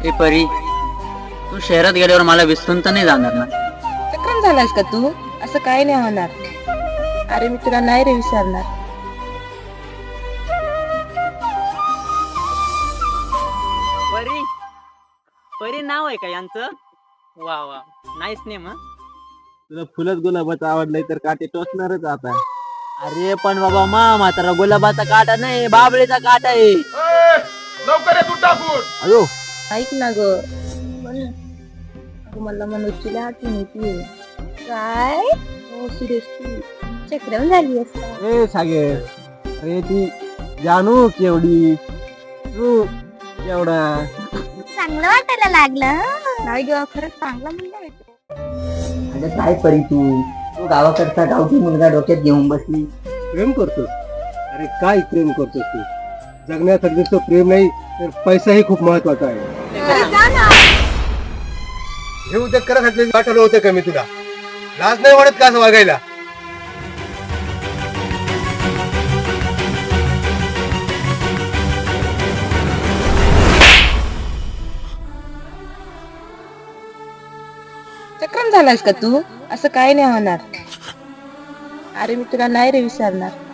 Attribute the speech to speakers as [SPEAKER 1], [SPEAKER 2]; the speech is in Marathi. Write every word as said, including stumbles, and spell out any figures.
[SPEAKER 1] ए परी, तू शहरात गेल्यावर मला विसरून तर नाही जाणार ना?
[SPEAKER 2] चक्रम झालास का तू? असं काही नाही होणार. अरे मी तुला नाही रे विसरणार.
[SPEAKER 1] परी, परी नाव आहे का यांचं? वा वा, नाईस नेम.
[SPEAKER 3] तुला फुलच गुलाबाचं आवडलंय तर काटे टोचणारच आता.
[SPEAKER 1] अरे पण बाबा, मा म्हातारा गुलाबाचा काटा नाही, बाबळीचा काटा आहे.
[SPEAKER 4] लवकर तू टाकून
[SPEAKER 3] अयो
[SPEAKER 2] ऐक ना ग, म्हण ना. अगं मला मनोजची आठवण येते. काय हो सिरियसली चक्रम झाली असता.
[SPEAKER 3] ए सागर, अरे ती जानू केवढी, तू केवढा.
[SPEAKER 2] चांगलं वाटायला लागलं. नाही ग, खरंच चांगला मुलगा आहे तो.
[SPEAKER 5] अगं काय परी तू तू गावाकडचा गावठी मुलगा डोक्यात घेऊन बसली.
[SPEAKER 3] प्रेम करतोस? अरे काय प्रेम करतोस तू? जगण्यासाठी नुसतं प्रेम नाही तर पैसाही खूप महत्वाचा आहे.
[SPEAKER 2] अरे जा ना.
[SPEAKER 3] हे उद्या करासाठी वाटलं होतं का मी तुला? लाज नाही वाटत का असं वागायला?
[SPEAKER 2] चक्रम झालास का तू? असं काही नाही होणार. अरे मी तुला नाही रे विसरणार.